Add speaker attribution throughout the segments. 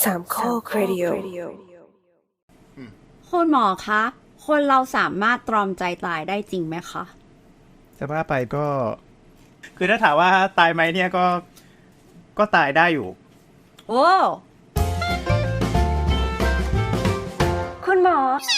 Speaker 1: สามข้อครดิโอ
Speaker 2: คุณหมอคะคนเราสามารถตรอมใจตายได้จริงไหมคะ
Speaker 3: จะว่าไปก็คือถ้าถามว่าตายไหมเนี่ยก็ตายได้อยู่
Speaker 2: โอ้คุณหมอ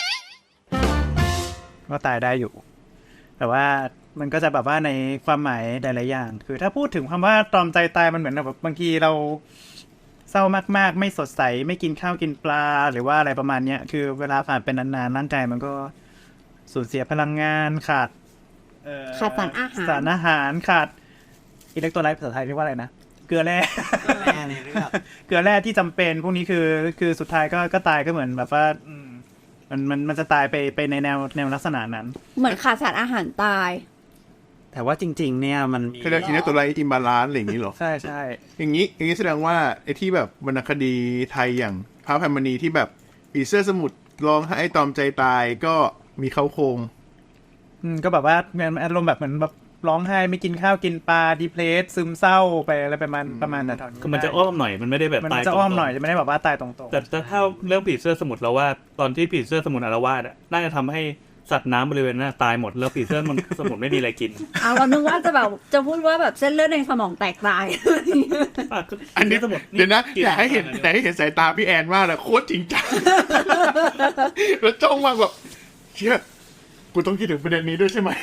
Speaker 3: ก็ตายได้อยู่แต่ว่ามันก็จะแบบว่าในความหมายหลายๆอย่างคือถ้าพูดถึงคำว่าตรอมใจตายมันเหมือนแบบบางทีเราเศร้ามากๆไม่สดใสไม่กินข้าวกินปลาหรือว่าอะไรประมาณเนี้ยคือเวลาผ่านเป็นนานๆร่างกายมันก็สูญเสียพลังงานขาดสารอาหารขาดอิเล็กโทรไลต์ภาษาไทยเรียกว่าอะไรนะเกลือแร่เกลือแร่ที่จำเป็นพวกนี้คือสุดท้ายก็ตายก็เหมือนแบบว่ามันจะตายไปในแนวลักษณะนั้น
Speaker 2: เหมือนขาดสารอาหารตาย
Speaker 4: แต่ว่าจริงๆเนี่ยมัน
Speaker 5: คือเรียกอินเนอร์ตัวไรอิมบาลานซ์อะไรอย่างนี้หรอ
Speaker 3: ใช่ใช่
Speaker 5: อย่างนี้แสดงว่าไอ้ที่แบบวรรณคดีไทยอย่างพระอภัยมณีที่แบบผีเสื้อสมุทรร้องให้ตอมใจตายก็มีเข้าโครง
Speaker 3: ก็แบบว่าอารมณ์แบบเหมือนแบบร้องไห้ไม่กินข้าวกินปลาดีเพรสซึมเศร้าไปอะไรประมาณนั้น
Speaker 6: คือมันจะอ้อมหน่อยมันไม่ได้แบบตาย
Speaker 3: มันจะอ้อมหน่อยจะไม่ได้แบบว่าตายตรงๆ
Speaker 6: แต่ถ้าเรื่องผีเสื้อสมุทรเราว่าตอนที่ผีเสื้อสมุทรอาละวาดน่าจะทำให้สัตว์น้ำบริเวณนั้นตายหมดแล้วผีเสื้อสมุทรไม่มีอะไรกิน
Speaker 2: เรานึกว่าจะพูดว่าแบบเส้นเลือดในสมองแตกตาย
Speaker 5: อันนี้สมุทรเดี๋ยวนะอยากให้เห็นแต่ให้เห็นสายตาพี่แอนมากเลยโคตรจริงจังแล้วจ้องมากแบบเชี่ยกูต้องคิดถึงประเด็นนี้ด้วยใช่ไหม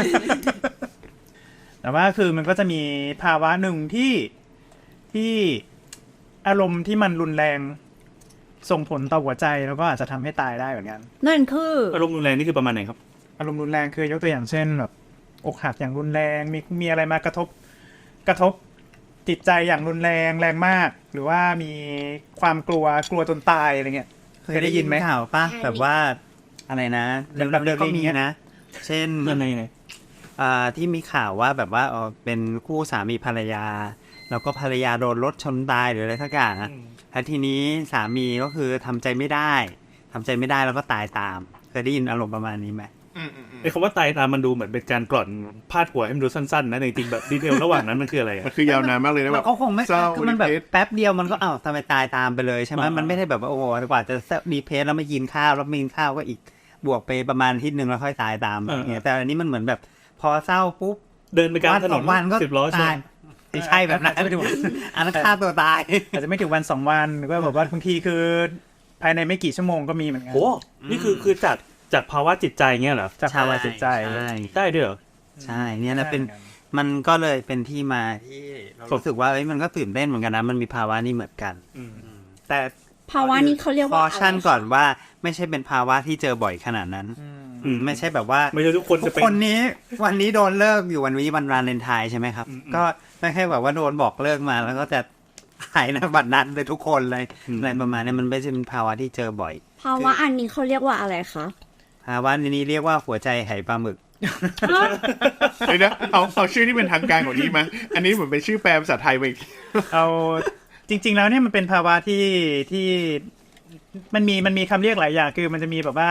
Speaker 3: แต่ว่าคือมันก็จะมีภาวะหนึ่งที่อารมณ์ที่มันรุนแรงส่งผลต่อหัวใจแล้วก็อาจจะทำให้ตายได้เหมือนกัน
Speaker 2: นั่นคือ
Speaker 6: อารมณ์รุนแรงนี่คือประมาณไหนครับ
Speaker 3: อารมณ์รุนแรงคือยกตัวอย่างเช่นแบบอกหักอย่างรุนแรงมีอะไรมากระทบจิตใจอย่างรุนแรงมากหรือว่ามีความกลัวจนตายอะไรเงี้ย
Speaker 4: เคยได้ยินไหมข่าวป่ะแบบว่าอะไรนะแบบเดิมก็มีนะเช่นที่มีข่าวว่าแบบว่าเป็นคู่สามีภรรยาแล้วก็ภรรยาโดนรถชนตายหรืออะไรสักอย่างนะแล้วทีนี้สามีก็คือทำใจไม่ได้แล้วก็ตายตามเคยได้ยินอารมณ์ประมาณนี้ไหม
Speaker 6: ไอ้คำว่าตายตามมันดูเหมือนเป็นการกล่อนพาดหัวให้มันดูสั้นๆนะจริงๆแบบดีเทลระหว่างนั้นมันคืออะไร
Speaker 5: มันคือยาวนานมากเลยนะแบบ
Speaker 4: เขาคงไม่คือมันแบบแป๊บเดียวมันก็ทำไมตายตามไปเลยใช่ไหมมันไม่ได้แบบว่าโอ้โหกว่าจะดีเพสแล้วไม่กินข้าวแล้วไม่กินข้าวก็อีกบวกไปประมาณอาทิตย์นึงแล้วค่อยตายตามเนี่ยแต่อันนี้มันเหมือนแบบพอเศร้าปุ๊บ
Speaker 6: เดินไปกลางถนน
Speaker 4: วันก็
Speaker 6: 10 ล้อ
Speaker 4: ตายไม่ใช่แบบนั้นไม่ถึงอันนั้นฆ่าตัวตาย
Speaker 3: อาจจะไม่ถึงวัน2 วันหรือว่าแบบว่าบางทีคือภายในไม่กี่ชั่วโมงก็มีเหมือนกัน
Speaker 6: โอ้นี่คือจากภาวะจิตใจเงี้ยเหรอ
Speaker 3: จากภาวะจิตใจ
Speaker 6: ได้ด้วยเหรอ
Speaker 4: ใช่เนี่ยนะเป็นมันก็เลยเป็นที่มาที่รู้สึกว่ามันก็ตื่นเต้นเหมือนกันนะมันมีภาวะนี้เหมือนกันแต่
Speaker 2: ภาวะนี้เขาเรียกว่า
Speaker 4: คอชั่นก่อนว่าไม่ใช่เป็นภาวะที่เจอบ่อยขนาดนั้นไม่ใช่แบบว่า
Speaker 6: ไม่ใช่ทุกคนจะเป็น
Speaker 4: คนนี้วันนี้โดนเลิกอยู่วันนี้วันวาเลนไทน์ใช่ไหมครับก็ไม่ใช่แบบว่าโดนบอกเลิกมาแล้วก็จะหายในบัดนั้นเลยทุกคนเลยอะไรประมาณนี้มันไม่ใช่เป็นภาวะที่เจอบ่อย
Speaker 2: ภาวะอันนี้เขาเรียกว่าอะไรคะ
Speaker 4: ภาวะนี้เรียกว่าหัวใจไหปลาหมึก
Speaker 5: เดี๋ยวนะเอาชื่อที่เป็นทางการของนี้มาอันนี้เหมือนเป็นชื่อแปลภาษาไทยไป
Speaker 3: เอาจริงๆแล้วเนี่ยมันเป็นภาวะที่มันมีคำเรียกหลายอย่างคือมันจะมีแบบว่า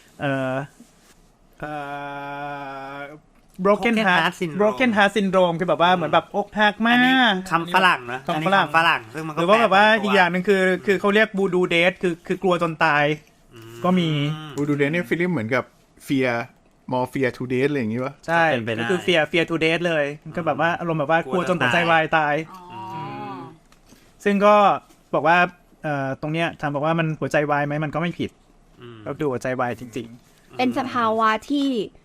Speaker 3: broken heart syndrome คือแบบว่าเหมือนแบบอกหักมาก
Speaker 4: คำฝรั่งนะ
Speaker 3: คำฝรั่ง
Speaker 4: ซึ่งมันก็
Speaker 3: หรือว่าแบบว่าอีกอย่างนึงคือเขาเรียก voodoo death คือกลัวจนตายก็มี
Speaker 5: voodoo death เนี่ยฟิลิปเหมือนกับ fear to death อะไรอย่างงี้ป่ะ
Speaker 3: ใช่ก็คือ fear to death เลยก็แบบว่าอารมณ์แบบว่ากลัวจนหัวใจวายตายซึ่งก็บอกว่าตรงเนี้ยถามบอกว่ามันหัวใจวายไหมมันก็ไม่ผิดก็ดูหัวใจวายจริง
Speaker 2: ๆเป็นสภาวะที่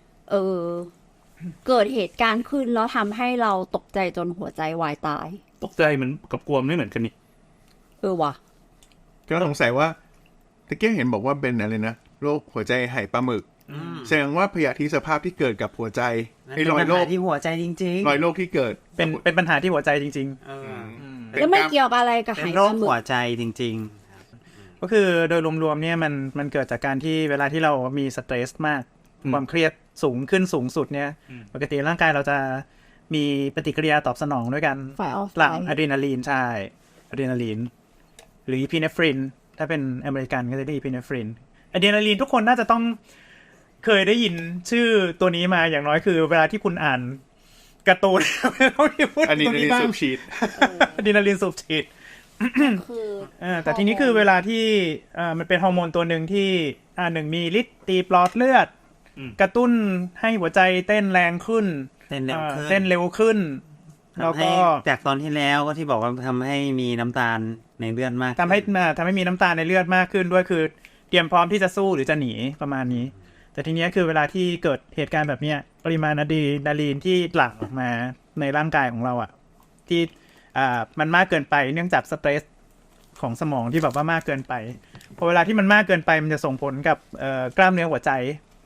Speaker 2: เกิดเหตุการณ์ขึ้นแล้วทำให้เราตกใจจนหัวใจวายตาย
Speaker 6: ตกใจมันกับกลัวไม่เหมือนกันนี่
Speaker 2: ว่ะ
Speaker 5: ก็สงสัยว่าตะเกียงเห็นบอกว่าเป็นอะไรนะโรคหัวใจไหปลาหมึกแสดงว่าพยาธิสภาพที่เกิดกับหัวใจ
Speaker 4: ไอ้รอยโรคที่หัวใจจริง
Speaker 5: ๆรอยโรคที่เกิด
Speaker 3: เป็นปัญหาที่หัวใจจริงๆ
Speaker 2: แล้วไม่เกี่ยวกับอะไรกับไห
Speaker 4: ปลาหมึกหัวใจจริง
Speaker 3: ๆก็คือโดยรวมๆเนี่ยมันเกิดจากการที่เวลาที่เรามีสเตรสมากความเครียดสูงสุดเนี่ยปกติร่างกายเราจะมีปฏิกิริยาตอบสนองด้วยกันหลั่งอะดรีนาลีนใช่อะดรีนาลีนหรืออีพิเนฟรินถ้าเป็นอเมริกันก็จะได้อีพิเนฟรินอะดรีนาลีนทุกคนน่าจะต้องเคยได้ยินชื่อตัวนี้มาอย่างน้อยคือเวลาที่คุณอ่านการ์ตูน
Speaker 5: อะดรีนาลีนสูบฉีด
Speaker 3: อะดรีนาลีนสูบฉีด
Speaker 2: คือ
Speaker 3: แต่ทีนี้คือเวลาที่มันเป็นฮอร์โมนตัวหนึ่งที่หนึ่งมีฤทธิ์ตีปลอดเลือด กระตุ้นให้หัวใจเต้นแรงขึ้น
Speaker 4: เต้นเร็วขึ้น
Speaker 3: เต้นเร็วขึ้นแล้ว
Speaker 4: ทำให้
Speaker 3: ก็
Speaker 4: จากตอนที่แล้วก็ที่บอกว่าทำให้มีน้ำตาลในเลือดมาก
Speaker 3: ทำให้มีน้ำตาลในเลือดมากขึ้นด้วยคือเตรียมพร้อมที่จะสู้หรือจะหนีประมาณนี้ แต่ทีนี้คือเวลาที่เกิดเหตุการณ์แบบเนี้ยปริมาณอะดรีนาลีนที่หลั่งออกมาในร่างกายของเราอ่ะที่มันมากเกินไปเนื่องจากสเตรสของสมองที่แบบว่ามากเกินไปพอเวลาที่มันมากเกินไปมันจะส่งผลกับกล้ามเนื้อหัวใจ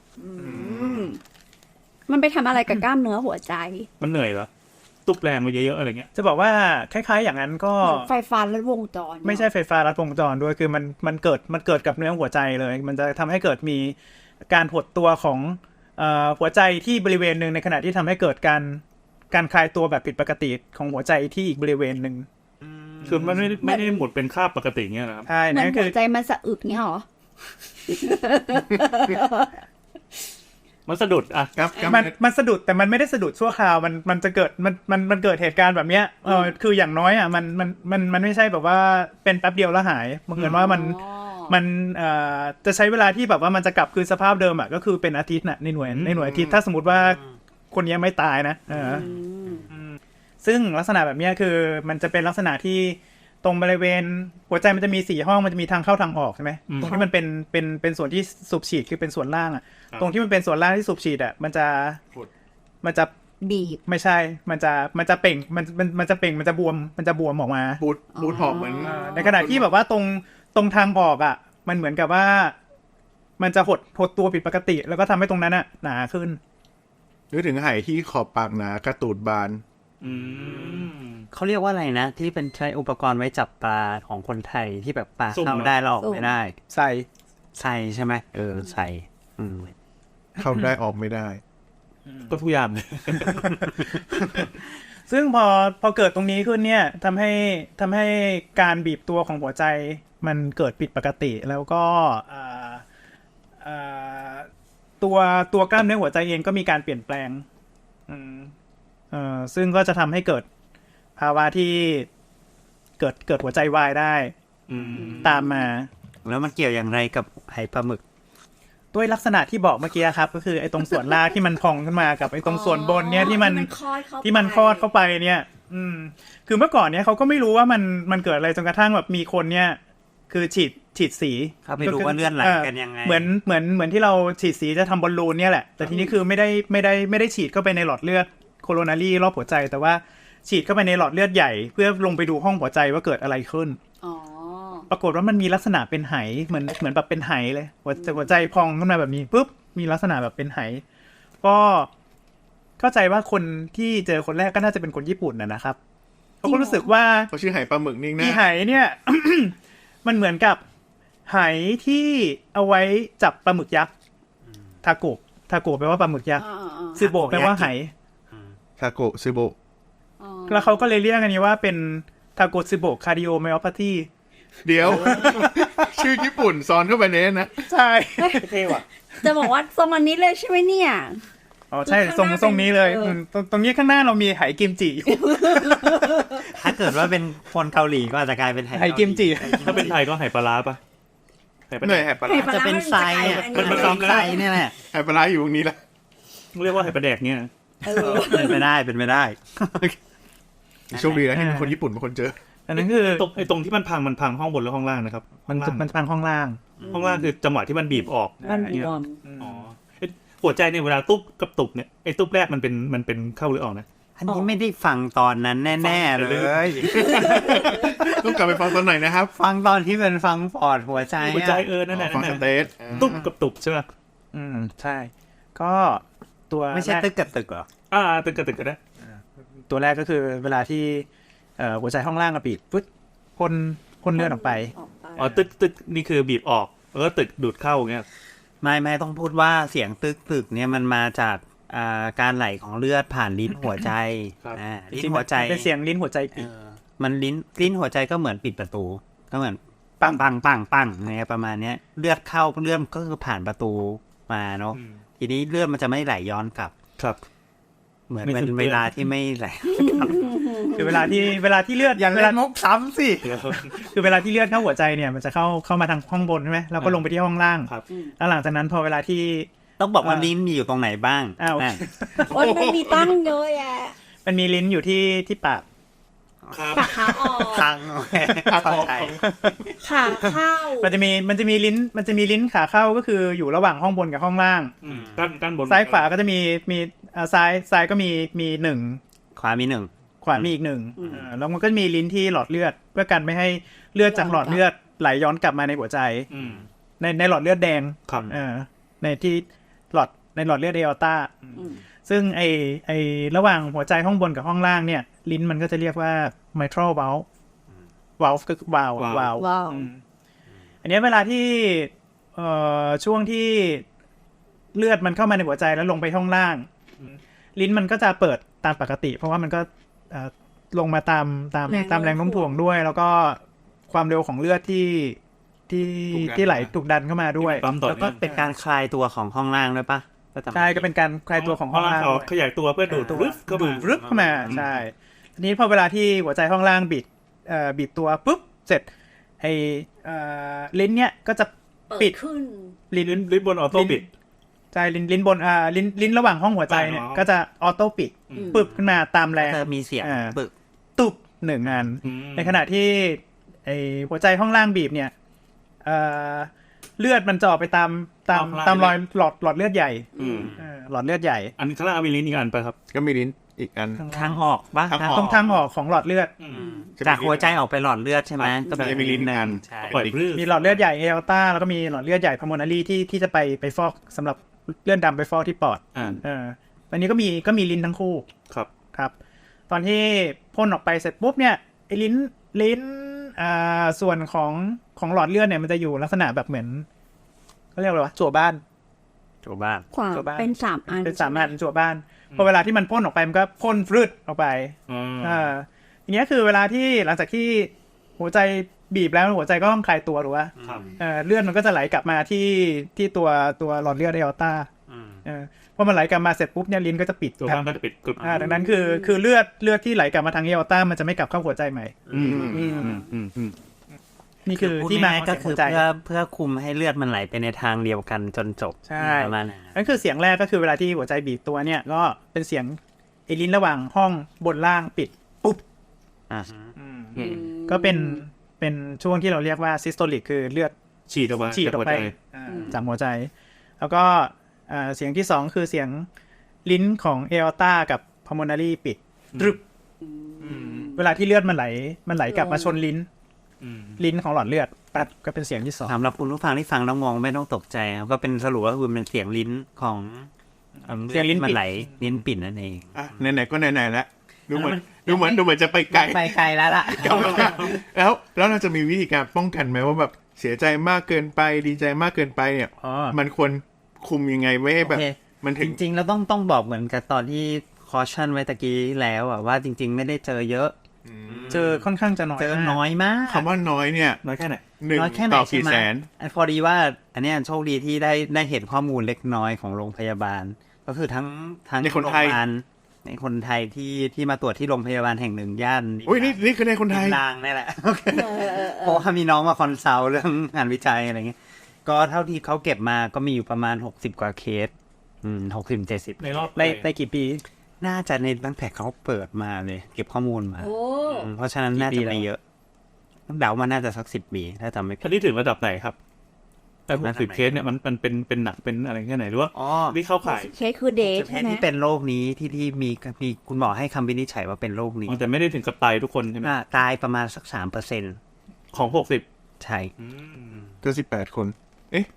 Speaker 2: มันไปทำอะไรกับกล้ามเนื้อหัวใจ
Speaker 6: มันเหนื่อยเหรอตุบแรงไปเยอะๆอะไรเงี้ย
Speaker 3: จะบอกว่าคล้ายๆอย่างนั้นก็
Speaker 2: ไฟฟ้าลัดวงจร
Speaker 3: ไม่ใช่ไฟฟ้าลัดวงจรด้วยคือมันเกิดกับเนื้อหัวใจเลย มันจะทำให้เกิดมีการหดตัวของหัวใจที่บริเวณหนึ่งในขณะที่ทำให้เกิดการคลายตัวแบบผิดปกติของหัวใจที่อีกบริเวณหนึ่ง
Speaker 6: คือมันไม่ได้หมดเป็นค่าบปกติเงี้ยนะครับ
Speaker 3: ใช่
Speaker 2: เหมือ
Speaker 3: นั่
Speaker 2: น
Speaker 3: นคื
Speaker 2: หั
Speaker 3: อ
Speaker 2: วใจมันสะอึกเงี้ยเหรอ
Speaker 6: มันสะดุดอ่ะ
Speaker 5: ครับ
Speaker 3: มันสะดุดแต่มันไม่ได้สะดุดชั่วคราวมันจะเกิดมันเกิดเหตุการณ์แบบเนี้ยคืออย่างน้อยอ่ะมันไม่ใช่แบบว่าเป็นแป๊บเดียวแล้วหายบังเอิญว่ามันจะใช้เวลาที่แบบว่ามันจะกลับคืนสภาพเดิมอ่ะก็คือเป็นอาทิตย์น่ะในหน่วยอาทิตย์ถ้าสมมติว่าคนนี้ไม่ตายนะซึ่งลักษณะแบบเนี้ยคือมันจะเป็นลักษณะที่ตรงบริเวณหัวใจมันจะมี4ห้องมันจะมีทางเข้าทางออกใช่ไหมตรงที่มันเป็นส่วนที่สูบฉีดคือเป็นส่วนล่างอ่ะตรงที่มันเป็นส่วนล่างที่สูบฉีดอ่ะมันจะ
Speaker 2: บีบ
Speaker 3: ไม่ใช่ มันจะเป่งมันจะเป่งมันจะบวมออกมา
Speaker 5: บูดหอบเหมือน
Speaker 3: ในขณะที่แบบว่าตรงทางออกอ่ะ มันเหมือนกับว่า มันจะหดตัวผิดปกติ แล้วก็ทำให้ตรงนั้นอ่ะหนาขึ้น
Speaker 5: นึกถึงไหที่ขอบปากหนากระตูดบาน
Speaker 4: เขาเรียกว่าอะไรนะ ที่เป็นใช้อุปกรณ์ไว้จับปลาของคนไทยที่แบบปลา
Speaker 6: สุ่ม
Speaker 4: เข้า
Speaker 6: เหรอ
Speaker 4: ได้แล้วออกไม่ได้
Speaker 3: ใส่
Speaker 4: ใส่ใช่ไหมใส่
Speaker 5: เข้าได้ออกไม่ได้
Speaker 6: ก็ทุกอย่างเลย
Speaker 3: ซึ่งพอเกิดตรงนี้ขึ้นเนี่ยทำให้การบีบตัวของหัวใจมันเกิดผิดปกติ แล้วก็ตัวกล้ามเนื้อหัวใจเองก็มีการเปลี่ยนแปลงซึ่งก็จะทำให้เกิดภาวะที่เกิดหัวใจวายได้ตามมา
Speaker 4: แล้วมันเกี่ยวอย่างไรกับไหปลาหมึก
Speaker 3: ด้วยลักษณะที่บอกเมื่อกี้ครับก็คือไอ้ตรงส่วนล่างที่มันพองขึ้นมากับไอ้ตรงส่วนบนเนี่ยที่มันคลอดเข้าไปเนี่ยคือเมื่อก่อนเนี่ยเขาก็ไม่รู้ว่ามันเกิดอะไรจนกระทั่งแบบมีคนเนี่ยคือฉีดสี
Speaker 4: เขาไม่รู้ว่าเลือดไหลกันยังไง
Speaker 3: เหมือนที่เราฉีดสีจะทำบอลลูนเนี่ยแหละแต่ทีนี้คือไม่ได้ฉีดเข้าไปในหลอดเลือดโคโรนารีรอบหัวใจแต่ว่าฉีดเข้าไปในหลอดเลือดใหญ่เพื่อลงไปดูห้องหัวใจว่าเกิดอะไรขึ้นปรากฏว่ามันมีลักษณะเป็นไหเหมือนแบบเป็นไหเลยหัวใจพองขึ้นมาแบบนี้ปุ๊บมีลักษณะแบบเป็นไหก็เข้าใจว่าคนที่เจอคนแรกก็น่าจะเป็นคนญี่ปุ่นนะครับเขาก็รู้สึกว่า
Speaker 5: เขาชื่อไหปลาหมึกนิ่งนะ
Speaker 3: ที่ไหเนี่ย มันเหมือนกับไหที่เอาไว้จับปลาหมึกยักษ์ทาโกะแปลว่าปลาหมึกยักษ์ซึโบะแปลว่าไห
Speaker 5: ทาโกะซึโบะ
Speaker 3: แล้วเขาก็เลยเรียกอันนี้ว่าเป็นทาโกะซึโบะคาร์ดิโอไมโอพาธี
Speaker 5: เดี๋ยว ชื่อญี่ปุ่นซ้อนเข้าไปเน้นนะ
Speaker 3: ใช่
Speaker 6: เท่ว่ะ
Speaker 2: จะบอกว่าทรงอันนี้เลยใช่ไหมเนี่ย
Speaker 3: อ๋อใช่ทรงนี้เลยตรงนี้ข้างหน้าเรามีไหกิมจิอยู่
Speaker 4: ถ้าเกิดว่าเป็นคนเกาหลีก็อาจจะกลายเป็นไห
Speaker 3: กิมจิ
Speaker 6: ถ้าเป็นไทยก็ไหปลาร้าปะไหปลา
Speaker 5: เหนื่อยไหปลาร้า
Speaker 4: จะเป็นไซเนี่ย
Speaker 6: มันซ้ำกัน
Speaker 4: ไซเนี่ยแหละ
Speaker 5: ไหปลาร้าอยู่ตรงนี้แหละ
Speaker 6: เรียกว่าไหปลาแดกเนี่ย
Speaker 4: เป็นไปได้
Speaker 5: โชคดีนะที่เป็นคนญี่ปุ่นเป็นคนเจอ
Speaker 3: อันนั้นคือ
Speaker 6: ตรงที่มันพังห้องบนหรือห้องล่างนะครับ
Speaker 3: มันพังห้องล่าง
Speaker 6: ห้องล่างคือจังหวะที่มันบีบออก
Speaker 2: มันบวม
Speaker 6: อ๋อหัวใจเนี่ยเวลาตุ๊บกับตุบเนี่ยไอ้ตุ๊บแรกมันเป็นเข้าหรือออกนะ
Speaker 4: อันนี้ไม่ได้ฟังตอนนั้นแน่ๆเลย
Speaker 5: ต้องกลับไปฟังตอนไหนนะครับ
Speaker 4: ฟังตอนที่เป็นฟังปอดหัวใจ
Speaker 6: หัวใจนั่นแหละ
Speaker 5: ฟังสเตท
Speaker 6: ตุ๊บกับตุบใช่ไหม
Speaker 3: ใช่ ก็ตัว
Speaker 4: ไม่ใช่ตึกกับตึกเหรอ
Speaker 6: ตึกกับตึกก็ได้
Speaker 3: ตัวแรกก็คือเวลาที่หัวใจห้องล่างกระปิดปุ๊บพ่นเลือดออกไป
Speaker 6: อ๋อตึกนี่คือบีบออกแล้วก็ตึกดูดเข้าอย่างเงี้ย
Speaker 4: ไม่ต้องพูดว่าเสียงตึกเนี่ยมันมาจากการไหลของเลือดผ่านลิ้นหัวใจลิ้นหัวใจ
Speaker 3: เป็นเสียงลิ้นหัวใจปิด
Speaker 4: มันลิ้นหัวใจก็เหมือนปิดประตูก็เหมือนปังเนี่ยประมาณเนี้ยเลือดเข้าเลือดก็คือผ่านประตูมาเนาะทีนี้เลือดมันจะไม่ไหลย้อนกลับ
Speaker 6: ครับ
Speaker 4: เหมือน
Speaker 6: ไม่
Speaker 4: เป็น
Speaker 6: สิ้นเปลื
Speaker 4: เว
Speaker 6: อง
Speaker 4: ลาที่ไม่ไหล
Speaker 3: คือเวลาที่เลือด
Speaker 4: อย่า
Speaker 3: เว
Speaker 4: เล่
Speaker 3: ลาน
Speaker 4: มุกซ้ำสิ
Speaker 3: คือเวลาที่เลือดเข้าหัวใจเนี่ยมันจะเข้ามาทางห้องบนใช่ไหมแล้วก็ลงไปที่ห้องล่าง
Speaker 6: ครับ
Speaker 3: แล้วหลังจากนั้นพอเวลาที่
Speaker 4: ต้องบอกว่าลิ้นมีอยู่ตรงไหนบ้าง
Speaker 3: อ้าว
Speaker 4: อ่ะ
Speaker 2: โอ้ยมันมีตั้งเยอะแยะ
Speaker 3: มันมีลิ้นอยู่ที่ปาก
Speaker 6: ครับ
Speaker 2: ปากขาออก
Speaker 4: ทางโอเคเข้าใจ
Speaker 2: ขาเข้า
Speaker 3: มันจะมีลิ้นขาเข้าก็คืออยู่ระหว่างห้องบนกับห้องล่าง
Speaker 6: ด้านบน
Speaker 3: ซ้ายขวาก็จะมีซ้ายก็มีหนึ่ง
Speaker 4: ขวามีหนึ่ง
Speaker 3: ขวามีอีกหนึ่งแล้วมันก็มีลิ้นที่หลอดเลือดเพื่อกันไม่ให้เลือดจากหลอดเลือดไหลย้อนกลับมาในหัวใจ
Speaker 6: อืม
Speaker 3: ในหลอดเลือดแดง
Speaker 6: ครับ
Speaker 3: ในหลอดเลือดเออร์ต้าซึ่งไอระหว่างหัวใจห้องบนกับห้องล่างเนี่ยลิ้นมันก็จะเรียกว่า mitral valve valve ก็คือ valve
Speaker 2: ว้าว
Speaker 3: อันนี้เวลาที่ช่วงที่เลือดมันเข้ามาในหัวใจแล้วลงไปห้องล่าง ลิ้นมันก็จะเปิดตามปกติ เพราะว่ามันก็ลงมาตามแรงโน้มถ่วงด้วย แล้วก็ความเร็วของเลือดที่ไหลถูกดันเข้ามาด้วย
Speaker 6: ปั๊มต่อ
Speaker 4: แล้วก็
Speaker 6: เนื่อง
Speaker 4: เป็นการคลายตัวของห้องล่างด้วยปะ
Speaker 3: ใช่ก็เป็นการคลายตัวของห้องล่าง
Speaker 6: เขาขยายตัวเพื่อดูดรึบเข้ามา
Speaker 3: รึบเข้ามาใช่ทีนี้พอเวลาที่หัวใจห้องล่างบิดตัวปุ๊บเสร็จไอ้ลิ้นเนี่ยก็จะปิด
Speaker 2: ขึ้น
Speaker 6: ลิ้นบนออโต้ปิด
Speaker 3: ใช่ลิ้นบนลิ้นระหว่างห้องหัวใจเนี่ย
Speaker 6: อ๋อ
Speaker 3: ก็จะออโต้ปิดปึ๊บขึ้นมาตามแรง
Speaker 4: จะมีเสียงปึก
Speaker 3: ตุบหนึ่งอัน ในขณะที่ไอ้หัวใจห้องล่างบีบเนี่ยเลือดมันจะออกไปตามรอยหลอดเลือดใหญ่ หลอดเลือดใหญ่
Speaker 6: อันนี้ข้างล่างมีลิ้นอีกอันไปครับ
Speaker 5: ก็มีลิ้นอีกอัน
Speaker 4: ทางออกปะ
Speaker 5: ทางออก
Speaker 3: ตรงทางออกของหลอดเลือด
Speaker 4: จากหัวใจออกไปหลอดเลือดใช่ไหม
Speaker 5: ก็มีลิ้นอัน
Speaker 4: ใช่
Speaker 6: ปล่อยพรื้
Speaker 3: มีหลอดเลือดใหญ่เอลต้าแล้วก็มีหลอดเลือดใหญ่พาโมนารีที่จะไปฟอกสำหรับเลือดดำไปฟอกที่ปอด อันนี้ก็มีลิ้นทั้งคู่
Speaker 6: ครับ
Speaker 3: ครับ ตอนที่พ่นออกไปเสร็จปุ๊บเนี่ยไอ้ลิ้นส่วนของหลอดเลือดเนี่ยมันจะอยู่ลักษณะแบบเหมือนเขาเรียกอะไรวะจั่วบ้าน
Speaker 4: โจบ้าน
Speaker 2: ขวา
Speaker 3: จั่วบ้าน
Speaker 2: เป็นสามอัน
Speaker 3: เป็นสามอันจั่วบ้านพอเวลาที่มันพ่นออกไปมันก็พ่นฟรึดออกไป อย่างเงี้ยคือเวลาที่หลังจากที่หัวใจบีบแล้วหัวใจก็ต้องคลายตัวหรือว่า
Speaker 6: ครับ
Speaker 3: เลือดมันก็จะไหลกลับมาที่ตัวหลอดเลือดเอลต้าพอมันไหลกลับมาเสร็จปุ๊บเนี่ยลิ้นก็จะปิด
Speaker 6: ตัวข้างก็จะปิดกึบ
Speaker 3: ดังนั้นคือเลือดที่ไหลกลับมาทางเอลต้ามันจะไม่กลับเข้าหัวใจใหม่ นี่คือ
Speaker 4: พูด
Speaker 3: ที่มา
Speaker 4: ง่ายๆก็คือ
Speaker 3: หัวใจ
Speaker 4: เพื่อคุมให้เลือดมันไหลไปในทางเดียวกันจนจบ
Speaker 3: ใช่
Speaker 4: ประมาณนั้น
Speaker 3: นั่นคือเสียงแรกก็คือเวลาที่หัวใจบีบตัวเนี่ยก็เป็นเสียงไอ้ลิ้นระหว่างห้องบนล่างปิดปุ๊บ
Speaker 4: อ่ะ
Speaker 3: ก็เป็นช่วงที่เราเรียกว่าซิสโตลิกคือเลือด
Speaker 6: ฉีดออกมา
Speaker 3: ฉีดออกไปจากหัวใจ แล้วก็เสียงที่สองคือเสียงลิ้นของเออร์ต้ากับพาโมนารีปิดตรึบเวลาที่เลือดมันไหลกลับมาชนลิ้นของหลอดเลือดปัดก็เป็นเสียงที่สอง
Speaker 4: สำหรับคุณผู้ฟังที่ฟังแล้วงงไม่ต้องตกใจครับก็เป็นสรุปว่าคือเป็นเสียงลิ้นของ
Speaker 3: เสียงลิ้น
Speaker 4: มัน
Speaker 3: ปิด
Speaker 4: ไหลลิ้นปิดนั่นเอง
Speaker 5: อ่ะไหนๆก็ไหนๆแล้วดูเหมือนจะไปไกล
Speaker 4: ไปไกลแล้วล่ะ
Speaker 5: แล้วเราจะมีวิธีการป้องกันไหมว่าแบบเสียใจมากเกินไปดีใจมากเกินไปเนี่ย มันควรคุมยังไงไว้ให้แบบ
Speaker 4: โอเค
Speaker 5: มันถึ
Speaker 4: จ
Speaker 5: ง
Speaker 4: ริงๆเราต้องบอกเหมือนกับตอนที่คอชั่นไว้ตะกี้แล้วอะว่าจริง ๆ ไม่ได้เจอเยอะ
Speaker 3: เจอค่อนข้างจะน้อย
Speaker 4: เจอน้อยมาก
Speaker 5: คำว่าน้อยเนี่ย
Speaker 6: น้อยแค่ไหน
Speaker 5: หนึ่ง
Speaker 4: น้อยแค่ไหน
Speaker 5: ต่อ
Speaker 4: ใช่
Speaker 5: กี่
Speaker 4: ไหม
Speaker 5: แสน
Speaker 4: พอดีว่าอันเนี้ยโชคดีที่ได้เห็นข้อมูลเล็กน้อยของโรงพยาบาล ก็คือทั้ง
Speaker 5: ในคนไทย
Speaker 4: โรงพยาบาลในคนไทยที่มาตรวจที่โรงพยาบาลแห่งหนึ่งย่าน
Speaker 5: อุ้ยนี่คือในคนไทย
Speaker 4: นางนี่แหละเพราะว่ามีน้องมาคอนซัลท์เรื่องงานวิจัยอะไรเงี้ยก็เท่าที่เขาเก็บมาก็มีอยู่ประมาณ60 กว่าเคส60-70
Speaker 6: ในรอบ
Speaker 3: ในกี่ปี
Speaker 4: น่าจะในตั้งแต่เขาเปิดมาเลย เก็บข้อมูลมา
Speaker 2: โอ้
Speaker 4: เพราะฉะนั้นน่าจะไม่เยอะเดามาน่าจะสัก10 ปีถ้าจำไม่ผิ
Speaker 6: ท่า
Speaker 4: ด
Speaker 6: นที่ถึงระดับไหนครับแต่60 เคสเนี่ยมันเป็นหนักเป็นอะไรแค่ไหนหรือว่า
Speaker 4: อ๋อ
Speaker 6: ที่เข้าข่าย
Speaker 2: เคสคือเดท
Speaker 4: แพ
Speaker 2: ใช่
Speaker 4: ท
Speaker 2: ไห
Speaker 4: ย์
Speaker 2: ม
Speaker 4: ที่เป็นโรคนี้ที่มีคุณหมอให้คำวินิจฉัยว่าเป็นโรคนี้
Speaker 6: แต่ไม่ได้ถึงกับตายทุกคนใช่ไหม
Speaker 4: ตายประมาณสัก3%
Speaker 6: ของ60
Speaker 4: ใช่
Speaker 5: เจอ18 คน เอ๊ะ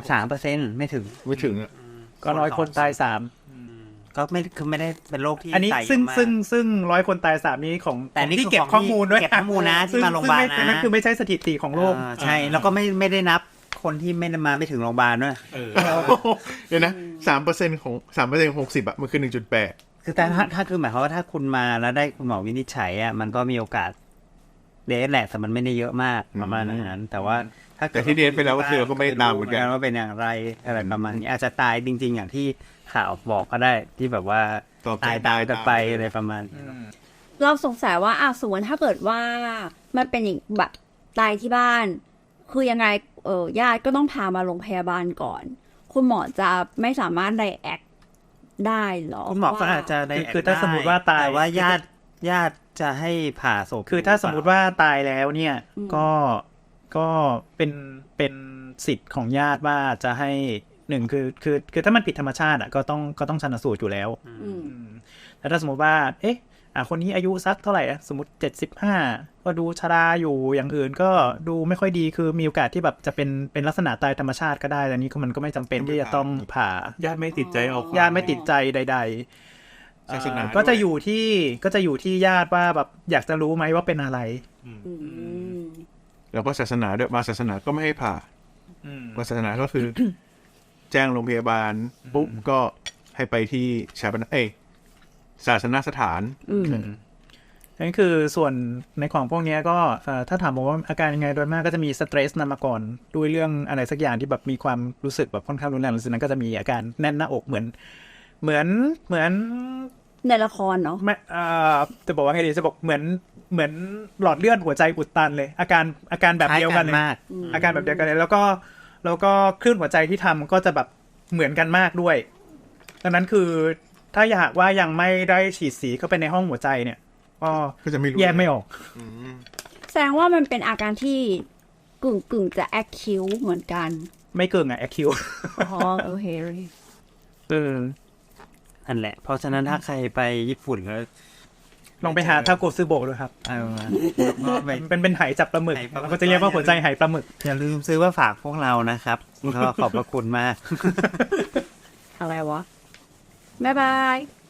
Speaker 5: 3%
Speaker 4: ไม่ถึง
Speaker 5: ไม่ถึงอ่ะ
Speaker 3: ก็ร้อยคนตายสาม
Speaker 4: ก็ไม่ได้เป็นโรคที่
Speaker 3: อันนี้
Speaker 4: ไต่
Speaker 3: ซึ่งร้อยคนตายสามนี้ของ
Speaker 4: แต่นี่
Speaker 3: ที่
Speaker 4: คือ
Speaker 3: เก็บ
Speaker 4: ของ
Speaker 3: ข้อมูลด้วย
Speaker 4: เก็บข้อมูลนะที่มาโรงพยาบาลนะ
Speaker 3: นั่นคือไม่ใช่สถิติของโลก
Speaker 4: ใช่แล้วก็ไม่ได้นับคนที่ไม่ได้มาไม่ถึงโรงพยาบาลด้วย
Speaker 5: เดี๋ยวนะ3%ของ60อ่ะมันคือ 1.8
Speaker 4: คือแต่ถ้าคือหมายความว่าถ้าคุณมาแล้วได้คุณหมอวินิจฉัยอ่ะมันก็มีโอกาสเดทแหละแต่มันไม่ได้เยอะมากประมาณนั้นแต่ว่าถ้า
Speaker 5: แต่ที่เดทไปแล้วก็คือเราก็ไม่ตามเหมือนกัน
Speaker 4: ว่าเป็นอย่างไรอะไรประมาณนี้อาจจะตายจริง ๆ อย่างที่ข่าวบอกก็ได้ที่แบบว่าตายไปอะไรประมาณนี้
Speaker 2: เราสงสัยว่าสมมติถ้าเกิดว่ามันเป็นอย่างแบบตายที่บ้าน คือยังไงญาติก็ต้องพามาโรงพยาบาลก่อน คุณหมอจะไม่สามารถไดแอคได้หรอ
Speaker 4: คุณหมอก็อาจจะได้
Speaker 3: คือถ้าสมมุติว่าตาย
Speaker 4: แต่ว่าญาติจะให้ผ่าศพ
Speaker 3: คือถ้าสมมุติว่าตายแล้วเนี่ยก็เป็นสิทธิ์ของญาติว่าจะให้หนึ่งคือถ้ามันผิดธรรมชาติก็ต้องชันสูตรอยู่แล้ว แต่ถ้าสมมติว่าคนนี้อายุสักเท่าไหร่สมมติ75ก็ดูชราอยู่อย่างอื่นก็ดูไม่ค่อยดีคือมีโอกาสที่แบบจะเป็นลักษณะตายธรรมชาติก็ได้แต่นี้มันก็ไม่จำเป็นที่จะต้องผ่า
Speaker 6: ญาติไม่ติดใจเอา
Speaker 3: ญาติไม่ติดใจใดๆ
Speaker 5: ศาสนา
Speaker 3: ก็จะอยู่ที่ญาติว่าแบบอยากจะรู้ไหมว่าเป็นอะไร
Speaker 5: แล้วก็ศาสนาด้วยบางศาสนาก็ไม่ให้ผ่าบางศาสนาก็คือ แจ้งโรงพยาบาลปุ๊บก็ให้ไปที่ศาสนสถาน
Speaker 3: นั่นคือส่วนในของพวกนี้ก็ถ้าถามผมว่าอาการยังไงโดยมากก็จะมีสเตรสนำมาก่อนด้วยเรื่องอะไรสักอย่างที่แบบมีความรู้สึกแบบค่อนข้างรุนแรงหลังจากนั้นก็จะมีอาการแน่นหน้าอกเหมือน
Speaker 2: ในละครเนาะ
Speaker 3: ไม่จะบอกว่าไงดีจะบอกเหมือนหลอดเลือดหัวใจอุดตันเลยอาการแบบเดียวกันเลยอาการแบบเดียวกันเลยแล้วก็คลื่นหัวใจที่ทำก็จะแบบเหมือนกันมากด้วยดังนั้นคือถ้าอยากว่ายังไม่ได้ฉีดสีเข้าไปในห้องหัวใจเนี่ย
Speaker 5: ก็จะไม่รู้
Speaker 3: แยกไม่ออก
Speaker 2: แสดงว่ามันเป็นอาการที่กึ่งจะแอคคิวเหมือนกัน
Speaker 3: ไม่เกินแอคคิว
Speaker 2: อ๋อโอเค
Speaker 4: นั่นแหละเพราะฉะนั้นถ้าใครไปญี่ปุ่นก็
Speaker 3: ลองไปหาทาโกซึโบะด้วยครับเป็นไหจับปลาหมึกเราก็จะเรียกว่าหัวใจไหปลาหมึก
Speaker 4: อย่าลืมซื้อมาฝากพวกเรานะครับก็ขอบพระคุณมาก
Speaker 2: อะไรวะบ๊ายบาย